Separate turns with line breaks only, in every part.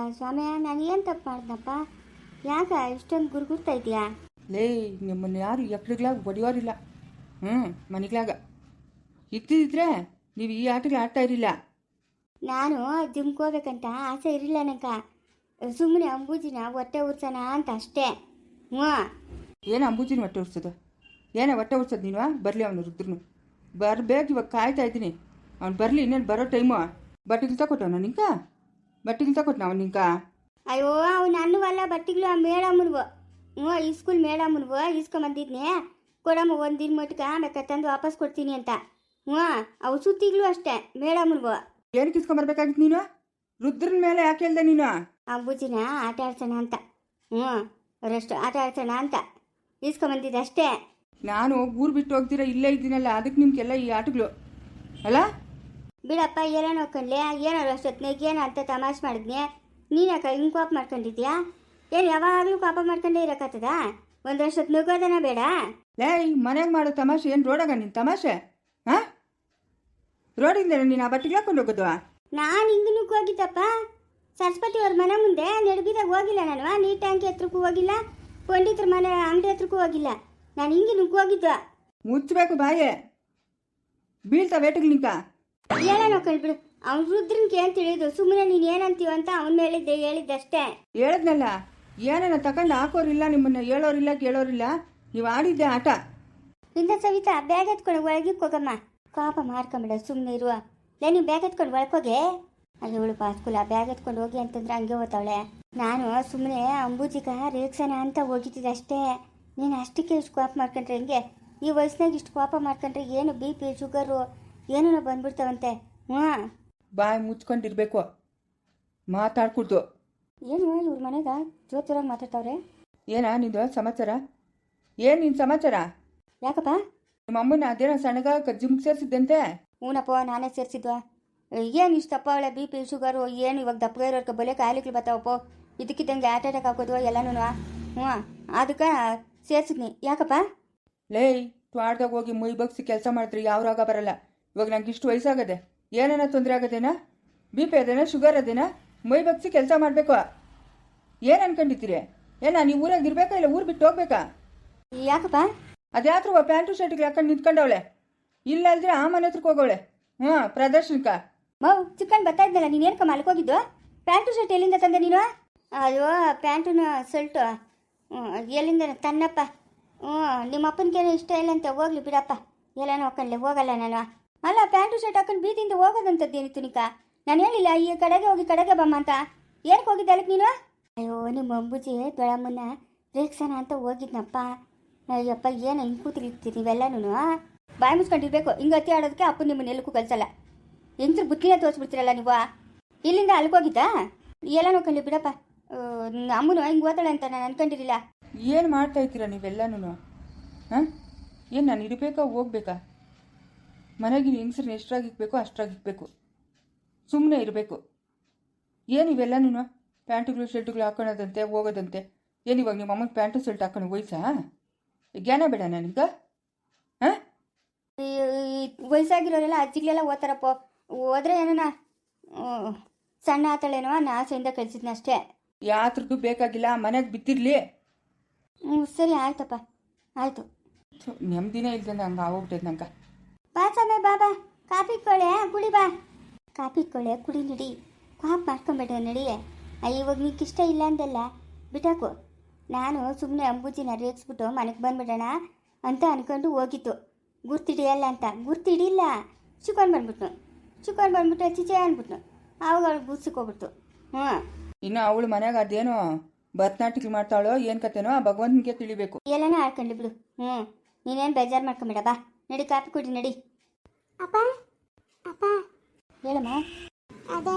ಸ್ವಾಮಿ, ನಾನು ಏನು ತಪ್ಪು ಮಾಡಿದ್ನಪ್ಪ? ಯಾಕ ಇಷ್ಟೊಂದು ಗುರುಗುರ್ತಾ ಇದೆಯಾ?
ಲೇ, ನಿಮ್ಮನ್ನು ಯಾರು ಎಕ್ಕಡಿಗ್ಲಾಗ ಹೊಡೆಯೋರಿಲ್ಲ. ಮನೆಗ್ಲಾಗ ಇದ್ದಿದ್ರೆ ನೀವು ಈ ಆಟಗಳು ಆಡ್ತಾ ಇರಲಿಲ್ಲ.
ನಾನು ಜಿಮ್ಗೆ ಹೋಗ್ಬೇಕಂತ ಆಸೆ ಇರಲಿಲ್ಲ ನನಗೆ. ಸುಮ್ಮನೆ ಅಂಬೂಜಿನ ಹೊಟ್ಟೆ ಉರ್ಸೋಣ ಅಂತ ಅಷ್ಟೇ.
ಏನು ಅಂಬೂಜಿನ ಹೊಟ್ಟೆ ಉರ್ಸೋದು? ಏನೇ ಹೊಟ್ಟೆ ಉರ್ಸೋದು ನೀನು? ಬರಲಿ ಅವನು ರುದ್ರನು ಬರಬೇಕು. ಇವಾಗ ಕಾಯ್ತಾ ಇದ್ದೀನಿ ಅವ್ನು ಬರಲಿ. ಇನ್ನೇನು ಬರೋ ಟೈಮು. ಬಟ್ಟೆಗಳು ತಗೊಟ್ಟವನ ನಿಂಕ? ಬಟ್ಟೆಗಳು ತಗೊಟ್ನ ಅವ್ನು ನಿಂಕ?
ಅಯ್ಯೋ, ಅವ್ನು ಅನ್ನುವಲ್ಲ ಬಟ್ಟೆಗಳು. ಆ ಮೇಡಮ್ಮನ್ವು ಈ ಸ್ಕೂಲ್ ಮೇಡಮ್ಮನ್ವು ಇಸ್ಕೊಂಬಂದಿದ್ನೆ. ಕೊಡಮ್ಮ ಒಂದಿನ ಮಟ್ಗೆ ಬೇಕಾ ತಂದು ವಾಪಸ್ ಕೊಡ್ತೀನಿ ಅಂತ. ಅವು ಸುತ್ತಿಗಳು ಅಷ್ಟೇ ಮೇಡಮ್ಮನ್ವು.
ಏನಕ್ಕೆ ಇಸ್ಕೊಂಬರ್ಬೇಕಾಗಿತ್ತು ನೀನು? ರುದ್ರನ ಮೇಲೆ ಯಾಕೆ ಹೇಳ್ದೆ ನೀನು?
ಅಂಬೂಜಿನ ಆಟ ಆಡ್ಸೋಣ ಅಂತ. ಅವರಷ್ಟು ಆಟ ಆಡ್ಸೋಣ ಅಂತ ಇಸ್ಕೊಂಬಂದಿದ್ದೆ ಅಷ್ಟೇ.
ನಾನು ಊರು ಬಿಟ್ಟು ಹೋಗ್ತೀರಾ ಇಲ್ಲೇ ಇದ್ದೀನಲ್ಲ, ಅದಕ್ಕೆ ನಿಮ್ಗೆಲ್ಲ ಈ ಆಟಗಳು ಅಲ್ಲ?
ಬಿಡಪ್ಪ, ಏನೋ ನೋಡ್ಕೊಂಡ್ಲೆ. ಏನೋ ಅಷ್ಟೊತ್ತಿನಾಗ ಏನೋ ಅಂತ ತಮಾಷೆ ಮಾಡಿದ್ನೆ. ನೀನು ಯಾಕೆ ಹಿಂಗೆ ಕೋಪ ಮಾಡ್ಕೊಂಡಿದ್ಯಾ? ಏನು ಯಾವಾಗಲೂ ಕೋಪ ಮಾಡ್ಕೊಂಡೇ ಇರೋಕ್ಕಾಗ್ತದ? ಒಂದಷ್ಟೊತ್ತು ನುಗ್ಗೋದನ ಬೇಡ?
ಲೇ, ಮನೆಗೆ ಮಾಡೋ ತಮಾಷೆ ಏನು ರೋಡಾಗ ನಿನ್ನ ತಮಾಷೆ? ಹಾಂ, ರೋಡಿಂದ ನೀನು ಆ ಬಟ್ಟೆಗೆ ಹಾಕೊಂಡು ಹೋಗೋದು?
ನಾನು ಹಿಂಗೆ ನುಗ್ಗೋಗಿದ್ದಪ್ಪ. ಸರಸ್ವತಿ ಅವ್ರ ಮನೆ ಮುಂದೆ ನಡುಗಿದಾಗ ಹೋಗಿಲ್ಲ ನಾನು. ನೀರು ಟ್ಯಾಂಕಿ ಹತ್ರಕ್ಕೂ ಹೋಗಿಲ್ಲ, ಪಂಡಿತರ ಮನೆ ಅಂಗಡಿ ಹತ್ರಕ್ಕೂ ಹೋಗಿಲ್ಲ. ನಾನು ಹಿಂಗೆ ನುಗ್ಗೋಗಿದ್ದು.
ಮುಚ್ಚಬೇಕು ಬಾಯೇ, ಬೀಳ್ತಾ ವೇಟಿಗೆ ನಿಂಕ.
ಏನೋ ನೋಡ್ಕೊಂಡ್ಬಿಡು. ಅವ್ನು ರುದ್ರನ್ಗೆ ಏನು ತಿಳಿದು ಸುಮ್ಮನೆ ನೀನು ಏನಂತೀವ ಅಂತ ಅವನ ಮೇಲೆ ಹೇಳಿದ್ದಷ್ಟೇ.
ಹೇಳಿದ್ನಲ್ಲ, ಏನೇನ ತಗೊಂಡು ಹಾಕೋರಿಲ್ಲ, ನಿಮ್ಮನ್ನ ಹೇಳೋರಿಲ್ಲ ಕೇಳೋರಿಲ್ಲ. ನೀವು ಆಡಿದ್ದೆ ಆಟ.
ಇಂದ ಸವಿತಾ, ಬ್ಯಾಗ್ ಎತ್ಕೊಂಡು ಒಳಗಿಕ್ಕೆ ಹೋಗಮ್ಮ. ಕೋಪ ಮಾಡ್ಕೊಂಬಿಡ, ಸುಮ್ಮನೆ ಇರುವ. ನೀವು ಬ್ಯಾಗ್ ಎತ್ಕೊಂಡು ಒಳಕೋಗೆ. ಅಯ್ಯವಳು ಪಾಸ್ಕೂಲ ಬ್ಯಾಗ್ ಎತ್ಕೊಂಡು ಹೋಗಿ ಅಂತಂದ್ರೆ ಹಂಗೆ ಹೋಗ್ತಾವಳೆ. ನಾನು ಸುಮ್ಮನೆ ಅಂಬೂಜಿಗ ರೇಕ್ಸನ ಅಂತ ಹೋಗಿದ್ದಿದ್ದು ಅಷ್ಟೇ. ನೀನು ಅಷ್ಟಕ್ಕೆ ಇಷ್ಟು ಕೋಪ ಮಾಡ್ಕೊಂಡ್ರೆ ಹೆಂಗೆ? ಈ ವಯಸ್ಸಿನಾಗ ಇಷ್ಟು ಕೋಪ ಮಾಡ್ಕೊಂಡ್ರೆ ಏನು BP ಶುಗರು ಏನೋ ಬಂದ್ಬಿಡ್ತಾವಂತೆ.
ಬಾಯಿ ಮುಚ್ಕೊಂಡಿರ್ಬೇಕು, ಮಾತಾಡ್ಕೊಡ್ದು.
ಏನು ಇವ್ರ ಮನೆಗ ಜೋತುರಾಗಿ ಮಾತಾಡ್ತಾವ್ರೆ?
ಏನಾ ನಿಂದು ಸಮಾಚಾರ? ಏನು ನಿನ್ನ ಸಮಾಚಾರ?
ಯಾಕಪ್ಪ?
ನಿಮ್ಮ ಅಮ್ಮನ ಅದೇನೋ ಸಣ್ಣಗ ಜಿಮ್ಗೆ ಸೇರಿಸಿದ್ದಂತೆ?
ಹೂನಪ್ಪ, ನಾನೇ ಸೇರಿಸಿದ್ವ. ಏನು ಇಷ್ಟು ದಪ್ಪ ಅವಳೆ? BP ಶುಗರು ಏನು ಇವಾಗ ದಪ್ಪಗೆ ಇರೋರ್ಗೆ ಬಲೆ ಕಾಯಿಲೆಗಳು ಬರ್ತಾವಪ್ಪ. ಇದಕ್ಕಿದ್ದಂಗೆ ಹಾರ್ಟ್ ಅಟ್ಯಾಕ್ ಹಾಕೋದು ಎಲ್ಲನೂ. ಅದಕ್ಕೆ ಸೇರಿಸಿದ್ನಿ. ಯಾಕಪ್ಪ?
ಲೇ, ತ್ವಾಡ್ದಾಗ ಹೋಗಿ ಮೈ ಬಗ್ಸಿ ಕೆಲಸ ಮಾಡಿದ್ರೆ ಯಾವ ರೋಗ ಬರಲ್ಲ. ಇವಾಗ ನಂಗೆ ಇಷ್ಟು ವಯಸ್ಸಾಗದೆ, ಏನೇನ ತೊಂದರೆ ಆಗೋದೇನಾ? BP ಅದೇನಾ, sugar ಅದೇನಾ? ಮೈ ಬಗ್ಸಿ ಕೆಲಸ ಮಾಡಬೇಕು. ಏನು ಅನ್ಕೊಂಡಿದ್ದೀರಿ? ಏನ ನೀವು ಊರಾಗ ಇರ್ಬೇಕಾ ಇಲ್ಲ ಊರು ಬಿಟ್ಟು ಹೋಗ್ಬೇಕಾ?
ಯಾಕಪ್ಪ?
ಅದ್ಯಾತ್ರ ಪ್ಯಾಂಟು ಶರ್ಟಿಗೆ ಹಾಕೊಂಡು ನಿಂತ್ಕೊಂಡವಳೆ. ಇಲ್ಲ ಅಲ್ದ್ರೆ ಆ ಮನೆ ಹತ್ರಕ್ಕೆ ಹೋಗವಳೆ. ಪ್ರದರ್ಶನಕ್ಕ
ಚಿಕ್ಕನ್ ಬರ್ತಾ ಇದ್ನಲ್ಲ, ನೀನು ಏನಕ್ಕ ಮಲ್ಕೋಗಿದ್ದು? ಪ್ಯಾಂಟು ಶರ್ಟ್ ಎಲ್ಲಿಂದ ತಂದೆ ನೀನು? ಅಯ್ಯೋ, ಪ್ಯಾಂಟುನ ಶರ್ಟು ಎಲ್ಲಿಂದ ತನ್ನಪ್ಪ. ನಿಮ್ಮ ಅಪ್ಪನಿಗೇನು ಇಷ್ಟ ಇಲ್ಲ ಅಂತ ಹೋಗ್ಲಿ ಬಿಡಪ್ಪ. ಎಲ್ಲ ನೋಡ್ಕೊಂಡ್ಲೆ ಹೋಗಲ್ಲ ನಾನು. ಅಲ್ಲ, ಪ್ಯಾಂಟು ಶರ್ಟ್ ಹಾಕೊಂಡು ಬೀದಿಯಿಂದ ಹೋಗೋದಂಥದ್ದು ಏನಿತ್ತು ನಿಕ? ನಾನು ಹೇಳಿಲ್ಲ ಈ ಕಡೆಗೆ ಹೋಗಿ ಕಡೆಗೆ ಬಮ್ಮ ಅಂತ. ಏನಕ್ಕೆ ಹೋಗಿದ್ದೆ ಅಲ್ಲಿಗೆ ನೀನು? ಅಯ್ಯೋ, ನಿಮ್ಮ ಅಂಬುಜಿ ದೊಡ್ಡಮ್ಮನ ರೇಕ್ಸನ ಅಂತ ಹೋಗಿದ್ನಪ್ಪ. ಅಯ್ಯಪ್ಪ, ಏನು ಹಿಂಗೆ ಕೂತಿರ್ತೀರಿ ನೀವೆಲ್ಲನೂ? ಬಾಯಿ ಮುಚ್ಕೊಂಡಿರ್ಬೇಕು. ಹಿಂಗೆ ಅತಿ ಆಡೋದಕ್ಕೆ ಅಪ್ಪ ನಿಮ್ಮನ್ನ ಎಲ್ಲಕ್ಕೂ ಕಲಿಸಲ್ಲ. ಹೆಂಗ್ಸ್ರು ಬುತ್ತಿನ ತೋರಿಸ್ಬಿಡ್ತೀರಲ್ಲ ನೀವು. ಇಲ್ಲಿಂದ ಅಲ್ಕೋಗಿದ್ದ? ಎಲ್ಲ ನೋಡ್ಕೊಂಡ್ಲಿ ಬಿಡಪ್ಪ. ಅಮ್ಮನು ಹಿಂಗೆ ಓದಾಳೆ ಅಂತ ನಾನು ಅನ್ಕೊಂಡಿರಲಿಲ್ಲ.
ಏನು ಮಾಡ್ತಾ ಇರ್ತೀರ ನೀವೆಲ್ಲನೂ? ಹಾಂ, ಏನು ನಾನು ಇರಬೇಕಾ ಹೋಗ್ಬೇಕಾ? ಮನೆಗೆ ಹೆಂಗಸ್ರನ್ನ ಎಷ್ಟ್ರಾಗಿಕ್ಬೇಕು ಅಷ್ಟ್ರಾಗಿಕ್ಬೇಕು, ಸುಮ್ಮನೆ ಇರಬೇಕು. ಏನು ಇವೆಲ್ಲನೂ ಪ್ಯಾಂಟುಗಳು ಶರ್ಟುಗಳು ಹಾಕೊಳ್ಳೋದಂತೆ ಹೋಗೋದಂತೆ? ಏನು ಇವಾಗ ನಿಮ್ಮ ಅಮ್ಮನ ಪ್ಯಾಂಟು ಶರ್ಟ್ ಹಾಕೊಂಡು ವಯಸ್ಸಾ? ಜ್ಞಾನ ಬೇಡ ನನಗೆ? ಹಾಂ,
ವಯಸ್ಸಾಗಿರೋರೆಲ್ಲ ಅಜ್ಜಿಗಳೆಲ್ಲ ಓದ್ತಾರಪ್ಪ. ಹೋದ್ರೆ ಏನೋ ಸಣ್ಣ ಆತಳೇನೋ ನಾ ಆಸೆಯಿಂದ ಕಳಿಸಿದ್ನ ಅಷ್ಟೇ.
ಯಾತ್ರದ್ದು ಬೇಕಾಗಿಲ್ಲ, ಮನೆಗೆ ಬಿತ್ತಿರ್ಲಿ.
ಸರಿ ಆಯ್ತಪ್ಪ, ಆಯಿತು.
ನೆಮ್ಮದಿನೇ ಇಲ್ದಂಗೆ ಹಂಗೆ ಆಗೋಗ್ಬಿಟ್ಟೈತೆ ನಂಗೆ.
ಬಾ ಸಮಯ ಬಾಬಾ, ಕಾಫಿ ಕೊಳೆ ಕುಡಿ ಬಾ. ಕಾಫಿ ಕೊಳೆ ಕುಡಿ ನಡಿ. ಕಾಫ್ ಮಾಡ್ಕೊಂಬೇಡ ನಡಿ. ಇವಾಗ ನಿಂಗೆ ಇಷ್ಟ ಇಲ್ಲ ಅಂದೆಲ್ಲ ಬಿಟ್ಟಾಕು. ನಾನು ಸುಮ್ಮನೆ ಅಂಬೂಜಿನ ರೇಗಿಸ್ಬಿಟ್ಟು ಮನೆಗೆ ಬಂದ್ಬಿಡೋಣ ಅಂತ ಅನ್ಕೊಂಡು ಹೋಗಿತ್ತು. ಗುರ್ತಿಡಿಯಲ್ಲ ಅಂತ. ಗುರ್ತಿಡಿಲ್ಲ, ಚಿಕನ್ ಬಂದ್ಬಿಟ್ಟು ಚಿಚೆ ಅಂದ್ಬಿಟ್ನು. ಆವಾಗ ಅವಳು ಗುರ್ಸಿಕೋಗ್ಬಿಡ್ತು.
ಇನ್ನು ಅವಳು ಮನ್ಯಾಗ ಅದೇನೋ ಭರತನಾಟ್ಯ ಮಾಡ್ತಾಳೋ ಏನು ಕತೆನೋ ಆ ಭಗವಂತನಿಗೆ ತಿಳಿಬೇಕು.
ಎಲ್ಲನೂ ಆಡ್ಕೊಂಡ್ಲಿ ಬಿಡು. ನೀನೇನು ಬೇಜಾರು ಮಾಡ್ಕೊಂಬೇಡ. ಬಾ ನಡಿ, ಕಾಫಿ ಕುಡಿ ನಡಿ.
ಅಪ್ಪ ಅಪ್ಪ
ಹೇಳಮ್ಮ.
ಅದೇ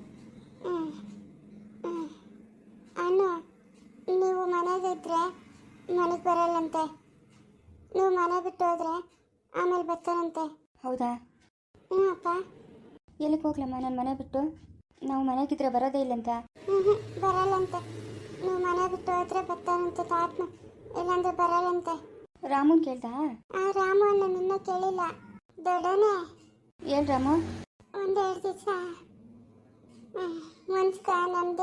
ಅನ್ನು ನೀವು ಮನೆಗಿದ್ರೆ ಮನೆಗೆ ಬರಲ್ಲಂತೆ. ನೀವು ಮನೆ ಬಿಟ್ಟು ಹೋದ್ರೆ ಆಮೇಲೆ ಬರ್ತಾರಂತೆ.
ಹೌದಾ?
ಹ್ಞೂ ಅಪ್ಪ.
ಎಲ್ಲಿಗೆ ಹೋಗ್ಲಮ್ಮ ನಾನು ಮನೆ ಬಿಟ್ಟು? ನಾವು ಮನೆಗಿದ್ರೆ ಬರೋದೇ ಇಲ್ಲಂತ.
ಬರಲ್ಲಂತೆ. ನೀವು ಮನೆ ಬಿಟ್ಟು ಹೋದ್ರೆ ಬರ್ತಾರಂತೆ ತಾತನ, ಇಲ್ಲಾಂದ್ರೆ ಬರಲ್ಲಂತೆ.
ರಾಮನ್ ಕೇಳ್ದ?
ರಾಮು ನಾನು ಇನ್ನೂ ಕೇಳಿಲ್ಲ. ದೊಡ್ಡನೇ
ಏನು ರಾಮು?
ಒಂದೆರಡು ದಿವಸ ಮನ್ಸ್ಕ ನಮ್ಮದೇ ಆಗೋರ್ಕ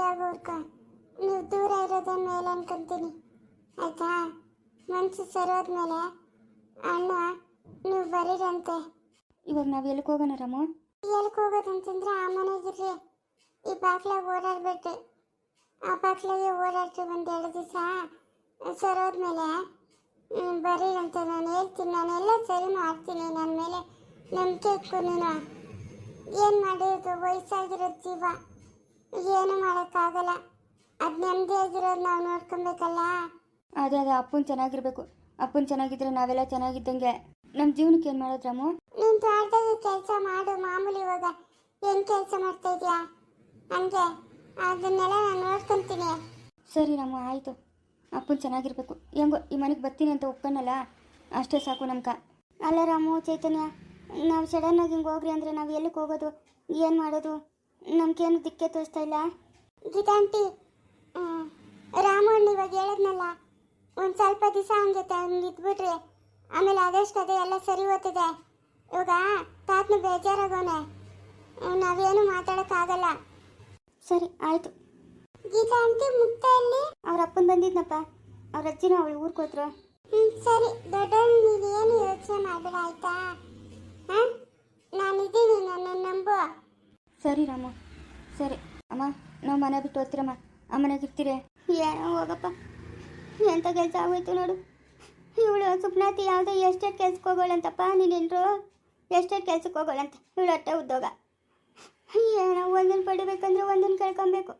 ಅನ್ಕೋ, ನೀವು ದೂರ ಇರೋದೇ ಮೇಲೆ ಅನ್ಕೊಂತೀನಿ ಆಯ್ತಾ. ಮನ್ಸು ಸರೋದ್ಮೇಲೆ ಅಣ್ಣ ನೀವು ಬರೀರಂತೆ.
ಇವಾಗ ನಾವು ಎಲ್ಲಿಗೆ ಹೋಗೋಣ ರಾಮು?
ಎಲ್ಕ್ ಹೋಗೋದಂತಂದ್ರೆ ಆ ಮನೆಗಿರ್ರಿ, ಈ ಬಾಗ್ಲಾಗ ಓಡಾಡ್ಬೇಡ್ರಿ. ಆ ಬಾಗ್ಲಾಗೆ ಓಡಾಡ್ರಿ 1-2 ದಿವಸ ಸರೋದ್ಮೇಲೆ ಬರೀರಂತೆ. ನಾನು ಹೇಳ್ತೀನಿ, ನಾನೆಲ್ಲ ಸರಿ ಮಾಡ್ತೀನಿ. ನನ್ನ ಮೇಲೆ ನಂಬಿಕೆ ಇಟ್ಕೊ ನೀನು. ಏನು ಮಾಡಿರೋದು, ವಯಸ್ಸಾಗಿರೋ ಜೀವ, ಏನು ಮಾಡೋಕ್ಕಾಗಲ್ಲ. ಅದು ನೆಮ್ಮದಿಯಾಗಿರೋದು ನಾವು ನೋಡ್ಕೊಬೇಕಲ್ಲ.
ಅದೇ ಅಪ್ಪನ ಚೆನ್ನಾಗಿರ್ಬೇಕು. ಅಪ್ಪನ ಚೆನ್ನಾಗಿದ್ರೆ ನಾವೆಲ್ಲ ಚೆನ್ನಾಗಿದ್ದಂಗೆ. ನಮ್ಮ ಜೀವನಕ್ಕೆ ಏನು ಮಾಡೋದು ರಾಮು?
ನೀನು ತೋಟದಾಗ ಕೆಲಸ ಮಾಡು ಮಾಮೂಲಿ. ಇವಾಗ ಏನು ಕೆಲಸ ಮಾಡ್ತಾ ಇದೆಯಾ ಹಂಗೆ, ಅದನ್ನೆಲ್ಲ ನಾನು ನೋಡ್ಕೊತೀನಿ.
ಸರಿ ರಾಮು, ಆಯಿತು. ಅಪ್ಪನ ಚೆನ್ನಾಗಿರ್ಬೇಕು. ಹೆಂಗೋ ಈ ಮನೆಗೆ ಬರ್ತೀನಿ ಅಂತ ಒಪ್ಕೊಂಡಲ್ಲ, ಅಷ್ಟೇ ಸಾಕು ನಮ್ಗೆ.
ಅಲ್ಲ ರಾಮು, ಚೈತನ್ಯ, ನಾವು ಸಡನ್ನಾಗಿ ಹಿಂಗೆ ಹೋಗ್ರಿ ಅಂದರೆ ನಾವು ಎಲ್ಲಿಗೆ ಹೋಗೋದು, ಏನು ಮಾಡೋದು? ನಮ್ಗೇನು ದಿಕ್ಕೆ ತೋರಿಸ್ತಾ ಇಲ್ಲ. ಗೀತಾಂಟಿ, ರಾಮಣ್ಣ ಇವಾಗ ಹೇಳಿದ್ನಲ್ಲ, ಒಂದು ಸ್ವಲ್ಪ ದಿವಸ ಹಂಗೆ ಇದ್ಬಿಟ್ರಿ, ಆಮೇಲೆ ಆದಷ್ಟು ಅದೇ ಎಲ್ಲ ಸರಿ ಹೋಗ್ತದೆ. ಇವಾಗ ತಾತನು ಬೇಜಾರಾಗೋನೆ, ನಾವೇನು ಮಾತಾಡೋಕ್ಕಾಗಲ್ಲ.
ಸರಿ ಆಯಿತು.
ಗೀತಾಂಟಿ, ಮುಕ್ತಾಯಲ್ಲಿ
ಅವ್ರ ಅಪ್ಪನ ಬಂದಿದ್ನಪ್ಪ, ಅವ್ರ ಅಜ್ಜಿನ ಅವಳು ಊರಿಗೆ ಹೋದ್ರು.
ಸರಿ ದೊಡ್ಡಣ್ಣ, ನೀನೇನು ಯೋಚನೆ ಮಾಡಬೇಡ ಆಯ್ತಾ. ಹಾಂ, ನಾನಿದ್ದೀನಿ, ನನ್ನ ನಂಬು.
ಸರಿ ರಾಮು, ಸರಿ. ಅಮ್ಮ, ನಾವು ಮನೆ ಬಿಟ್ಟು ಹೋಗ್ತೀರಮ್ಮ, ಆ ಮನೆಗೆ ಇರ್ತೀರಿ?
ಏನೋ ಹೋಗಪ್ಪ, ಎಂಥ ಕೆಲಸ ಆಗೋಯ್ತು ನೋಡು. ಇವಳು ಸುಪ್ನಾತಿ ಯಾವುದೋ ಎಸ್ಟೇಟ್ ಕೆಲ್ಸಕ್ಕೆ ಹೋಗೋಳಂತಪ್ಪ. ನೀನೇನ್ರು ಎಸ್ಟೇಟ್ ಕೆಲ್ಸಕ್ಕೆ ಹೋಗೋಳಂತ. ಇವಳು ಅಟ್ಟೆ ಉದ್ಯೋಗ. ಏನೋ ಒಂದನ್ನು ಪಡಿಬೇಕಂದ್ರೆ ಒಂದನ್ನು ಕಳ್ಕೊಬೇಕು.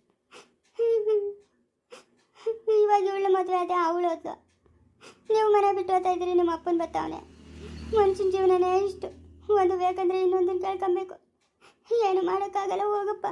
ಇವಾಗ ಇವಳು ಮದುವೆ ಅದೇ ಅವಳು ಹೋದ್ಲು. ನೀವು ಮನೆ ಬಿಟ್ಟು ಹೋಗ್ತಾ ಇದ್ದೀರಿ, ನಿಮ್ಮ ಅಪ್ಪನ ಬರ್ತಾವನೆ. ಮನುಷ್ಯನ ಜೀವನನೇ ಇಷ್ಟು, ಒಂದು ಬೇಕಂದ್ರೆ ಇನ್ನೊಂದನ್ನು ಕಳ್ಕೊಬೇಕು. ಏನು ಮಾಡೋಕ್ಕಾಗಲ್ಲ, ಹೋಗಪ್ಪ.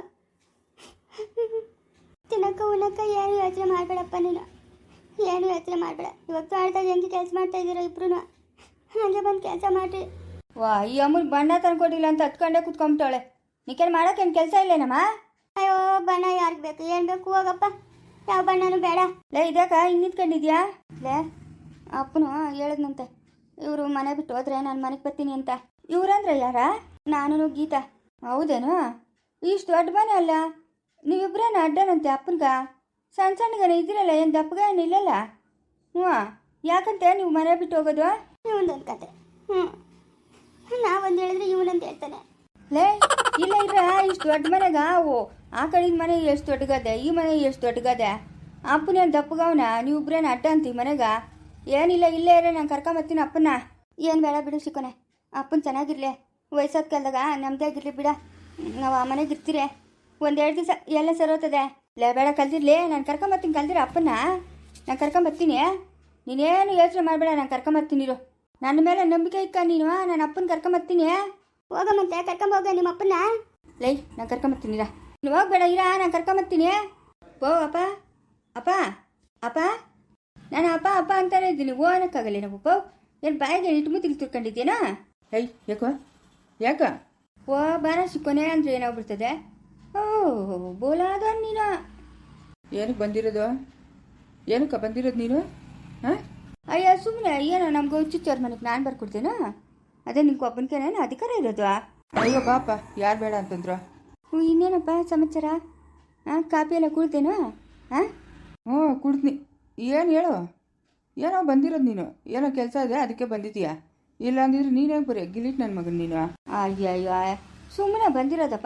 ತಿನ್ನಕ್ಕ ಉಣ್ಣಕ್ಕ ಏನು ಯೋಚನೆ ಮಾಡಬೇಡಪ್ಪ ನೀನು, ಏನು ಯೋಚನೆ ಮಾಡಬೇಡ. ಇವಾಗ ತೋಟದಾಗ ಹೆಂಗೆ ಕೆಲಸ ಮಾಡ್ತಾ ಇದ್ದೀರೋ ಇಬ್ರು, ಹಾಗೆ ಬಂದು ಕೆಲಸ ಮಾಡಿರಿ.
ವಾ, ಈ ಅಮ್ಮನ ಬಣ್ಣ ತಂದ್ಕೊಟ್ಟಿಲ್ಲ ಅಂತ ಹತ್ಕೊಂಡೇ ಕುತ್ಕೊಂಬಿಟ್ಟವಳೆ. ನೀಕೇನು ಮಾಡೋಕ್ಕೇನು ಕೆಲಸ ಇಲ್ಲೇನಮ್ಮ?
ಅಯ್ಯೋ, ಬಣ್ಣ ಯಾರಿಗೆ ಬೇಕು, ಏನು ಬೇಕು, ಹೋಗಪ್ಪ. ಯಾವ ಬಣ್ಣನೂ ಬೇಡ.
ಲೇ, ಇದ್ಯಾಕ ಹಿಂಗೆ ನಿಂತ್ಕೊಂಡಿದ್ಯಾ?
ಲೇ, ಅಪ್ಪನು ಹೇಳಿದ್ನಂತೆ, ಇವರು ಮನೆ ಬಿಟ್ಟು ಹೋದ್ರೆ ನಾನು ಮನೆಗೆ ಬರ್ತೀನಿ ಅಂತ.
ಇವ್ರಂದ್ರೆ ಯಾರ?
ನಾನು ಗೀತಾ.
ಹೌದೇನು? ಇಷ್ಟು ದೊಡ್ಡ ಮನೆ ಅಲ್ಲ, ನೀವಿಬ್ರೇನು ಅಡ್ಡನಂತೆ ಅಪ್ಪನ್ಗ? ಸಣ್ಣ ಸಣ್ಣಗನ ಇದ್ದೀರಲ್ಲ, ಏನು ದಪ್ಪಗ ಏನು ಇಲ್ಲಲ್ಲ? ಹ್ಞೂ, ಯಾಕಂತೆ ನೀವು ಮನೆ ಬಿಟ್ಟು ಹೋಗೋದು?
ಇವನದೊಂದು ಕತೆ. ನಾವೊಂದು ಹೇಳಿದ್ರೆ ಇವನಂತ ಹೇಳ್ತಾನೆ.
ಲೇ, ಇಲ್ಲ ಇರ, ಇಷ್ಟು ದೊಡ್ಡ ಮನೆಗ ಓ ಆ ಕಡೆದ ಮನೆ ಎಷ್ಟು ದೊಡ್ಡಗದೆ, ಈ ಮನೆ ಎಷ್ಟು ದೊಡ್ಡಗದೆ. ಅಪ್ಪನೇನು ದಪ್ಪಗವನ, ನೀವಿಬ್ರೇನು ಅಡ್ಡ ಅಂತೀವಿ ಮನೆಗ? ಏನಿಲ್ಲ, ಇಲ್ಲೇ ಇರೋ, ನಾನು ಕರ್ಕೊಂಬರ್ತೀನಿ ಅಪ್ಪನ.
ಏನು ಬೇಡ ಬಿಡು ಸಿಕ್ಕೋನೆ, ಅಪ್ಪನ ಚೆನ್ನಾಗಿರ್ಲಿ. ವಯಸ್ಸಾದ ಕಾಲದಾಗ ನಮ್ಮದೇ ಆಗಿರಲಿ ಬಿಡ, ನಾವು ಆ ಮನೆಗೆ ಇರ್ತೀರಿ. 1-2 ದಿವಸ ಎಲ್ಲ ಸರೋತದೆ.
ಲೇ, ಬೇಡ, ಕಲ್ತಿರ್ಲಿ, ನಾನು ಕರ್ಕೊಂಬರ್ತೀನಿ. ಕಲ್ದಿರ ಅಪ್ಪನ ನಾನು ಕರ್ಕೊಂಬರ್ತೀನಿ. ನೀನೇನು ಯೋಚನೆ ಮಾಡಬೇಡ, ನಾನು ಕರ್ಕೊಂಬರ್ತೀನಿರು. ನನ್ನ ಮೇಲೆ ನಂಬಿಕೆ ಇಕ್ಕ ನೀನು, ನಾನು ಅಪ್ಪನ ಕರ್ಕೊಂಬರ್ತೀನಿ.
ಹೋಗಮ್ಮಂತೆ, ಕರ್ಕೊಂಬೋಗ ನಿಮ್ಮ ಅಪ್ಪನ.
ಲೈ, ನಾನು ಕರ್ಕೊಂಬರ್ತೀನಿರ. ನೀನು ಹೋಗ್ಬೇಡ ಇರ, ನಾನು ಕರ್ಕೊಂಬರ್ತೀನಿ. ಓ ಅಪ್ಪ, ಅಪ್ಪ, ಅಪ್ಪ, ನಾನು ಅಪ್ಪ ಅಪ್ಪ ಅಂತಾನೆ ಇದ್ದೀನಿ. ಓ ಅನ್ನಕ್ಕಾಗಲ್ಲ ನಾವು ಪೋ. ಏನು ಬಾಯಿಗೆ ಇಟ್ಟು ಮುತ್ತಿಗೆ ತಿರ್ಕೊಂಡಿದ್ದೀನಾ? ಹೈ, ಯಾಕೋ ಯಾಕ? ಓ ಬಾರ ಸಿಕ್ಕೋನೆ ಅಂದರೆ ಏನಾಗ್ಬಿಡ್ತದೆ. ಓ ಬೋಲಾದ ನೀನು. ಏನಕ್ಕೆ ಬಂದಿರೋದು? ಏನಕ್ಕೆ ಬಂದಿರೋದು ನೀನು? ಹಾಂ, ಅಯ್ಯ ಸುಮ್ಮನೆ ಏನೋ ನಮ್ಗೆ ಹುಚ್ಚುಚ್ಚೋರ ಮನೆಗೆ ನಾನು ಬರ್ಕೊಡ್ತೇನೋ, ಅದೇ ನಿಂಗೆ ಒಬ್ಬನಿಗೇನೇನು ಅಧಿಕಾರ ಇರೋದು? ಅಯ್ಯೋ ಪಾಪ, ಯಾರು ಬೇಡ ಅಂತಂದ್ರು.
ಇನ್ನೇನಪ್ಪ ಸಮಾಚಾರ? ಹಾಂ, ಕಾಪಿ ಎಲ್ಲ ಕುಡ್ತೇನೋ? ಹಾಂ,
ಹ್ಞೂ ಕುಡ್ತೀನಿ. ಏನು ಹೇಳು, ಏನೋ ಬಂದಿರೋದು ನೀನು? ಏನೋ ಕೆಲಸ ಇದೆ ಅದಕ್ಕೆ ಬಂದಿದ್ದೀಯಾ? ಇಲ್ಲ ಅಂದಿದ್ರೆ ನೀನೇ ಬರೀ ಗಿಲಿಟ್ ನನ್ನ ಮಗನ ನೀನು. ಅಯ್ಯಯ್ಯ, ಸುಮ್ಮನೆ ಬಂದಿರೋದಪ್ಪ.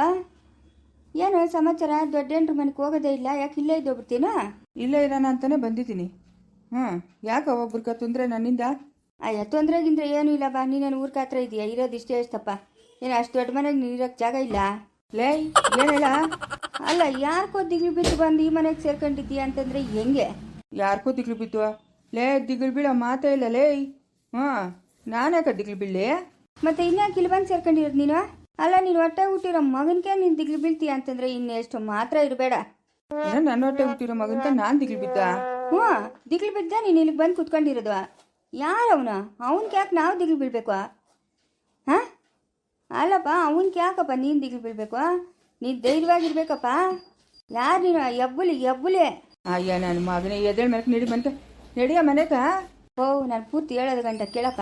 ಏನೋ ಸಮಾಚಾರ? ದೊಡ್ಡ ಹೆಂಡ್ರ ಮನೆಗೆ ಹೋಗೋದೇ ಇಲ್ಲ, ಯಾಕೆ ಇಲ್ಲೇ ಇದ್ದೋಗ್ಬಿಡ್ತೀನೋ? ಇಲ್ಲೇ ಇರೋಣ ಅಂತಾನೆ ಬಂದಿದ್ದೀನಿ. ಹ್ಞೂ, ಯಾಕೆ ಒಬ್ರಿಗೆ ತೊಂದರೆ ನನ್ನಿಂದ? ಅಯ್ಯ, ತೊಂದರೆಗಿಂದ್ರೆ ಏನೂ ಇಲ್ಲ ಬಾ. ನೀನೇನು ಊರ್ಕ ಹತ್ರ ಇದೆಯಾ? ಇರೋದು ಇಷ್ಟೇ ಎಷ್ಟಪ್ಪ. ಏನು ಅಷ್ಟು ದೊಡ್ಡ ಮನೆಗೆ ನೀನು ಇರೋಕ್ಕೆ ಜಾಗ ಇಲ್ಲ? ಲೇ, ಏನೇಳ? ಅಲ್ಲ, ಯಾರಿಗೋ ದಿಗ್ಲು ಬಿದ್ದು ಬಂದು ಈ ಮನೆಗೆ ಸೇರ್ಕೊಂಡಿದ್ದೀಯ ಅಂತಂದರೆ ಹೆಂಗೆ? ಯಾರಿಗೋ ದಿಗ್ಲು ಬಿದ್ದು? ಲೇ, ದಿಗ್ಲು ಬೀಳೋ ಮಾತೇ ಇಲ್ಲ ಲೇ. ಹಾಂ, ನಾನ್ಯಾಕೆ ದಿಗ್ಲು ಬೀಳಲಿ? ಮತ್ತೆ ಇನ್ಯಾಕೆ ಇಲ್ಲಿ ಬಂದು ಸೇರ್ಕೊಂಡಿರೋದು ನೀನು? ಅಲ್ಲ, ನೀನು ಹೊಟ್ಟೆ ಹುಟ್ಟಿರೋ ಮಗನಿಗೆ ನೀನು ದಿಗ್ಲು ಬೀಳ್ತೀಯ ಅಂತಂದರೆ ಇನ್ನೆಷ್ಟು ಮಾತ್ರ ಇರಬೇಡ. ನನ್ನ ಹೊಟ್ಟೆ ಹುಟ್ಟಿರೋ ಮಗನ್ಕ ನಾನು ದಿಗ್ಲು ಬಿದ್ದ? ಹ್ಞೂ, ದಿಗ್ಲು ಬಿದ್ದ ನೀನು ಇಲ್ಲಿಗೆ ಬಂದು ಕುತ್ಕೊಂಡಿರೋದು. ಯಾರವನು? ಅವನ್ಗೆ ಯಾಕೆ ನಾವು ದಿಗ್ಲು ಬೀಳ್ಬೇಕು? ಹಾಂ, ಅಲ್ಲಪ್ಪ, ಅವನ್ಗೆ ಯಾಕಪ್ಪ ನೀನು ದಿಗ್ಲು ಬೀಳ್ಬೇಕು? ನೀನು ಧೈರ್ಯವಾಗಿರ್ಬೇಕಪ್ಪ. ಯಾರು ನೀನು? ಎಬ್ಬುಲಿ. ಅಯ್ಯ, ನನ್ನ ಮಗನೇ ಎದ್ದೇಳ ಮೇಲೆ ನಡಿ ಬಂತ ನಡಿಯ ಮನೆಗ. ಓ, ನಾನು ಪೂರ್ತಿ ಹೇಳೋದು ಗಂಟ ಕೇಳಪ್ಪ.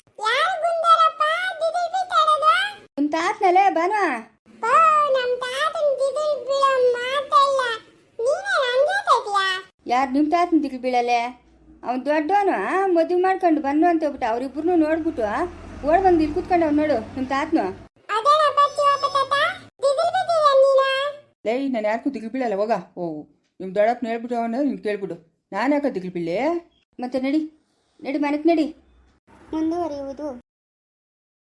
ನಿಮ್ಮ ತಾತನಲ್ಲೇ ಬಾನ.
ನಮ್ಮ ತಾತನ ದಿದಿಲ್ ಬೀಳೋ ಮಾತೇ ಇಲ್ಲ. ನೀನೇ
ಯಾರು ನಿಮ್ಮ ತಾತನ ದಿಗ್ಲು ಬೀಳಲೆ ಅವ್ನು ದೊಡ್ಡವನು ಮದುವೆ ಮಾಡ್ಕೊಂಡು ಬನ್ನು ಅಂತ ಹೇಳ್ಬಿಟ್ಟು ಅವ್ರಿಬ್ರು ನೋಡ್ಬಿಟ್ಟು ಓಡ್ ಬಂದು ಇಲ್ಲಿ ಕೂತ್ಕೊಂಡು ಅವ್ನು ನೋಡು ನಿಮ್ಮ ತಾತನು.
ಲೈ ನಾನು ಯಾರಿಗೂ ದಿಗ್ಲು ಬೀಳಲ್ಲ ಹೋಗ. ಓ ನಿಮ್ಮ ದೊಡ್ಡಪ್ಪನ ಹೇಳ್ಬಿಟ್ಟು ಅವನ ನೀನು ಕೇಳ್ಬಿಡು. ನಾನು ಯಾಕೆ ದಿಗ್ಲು ಬೀಳೇ?
ಮತ್ತೆ ನಡಿ ನಡಿ ಮನೆಗೆ ನಡಿ.
ಮುಂದುವರಿಯುವುದು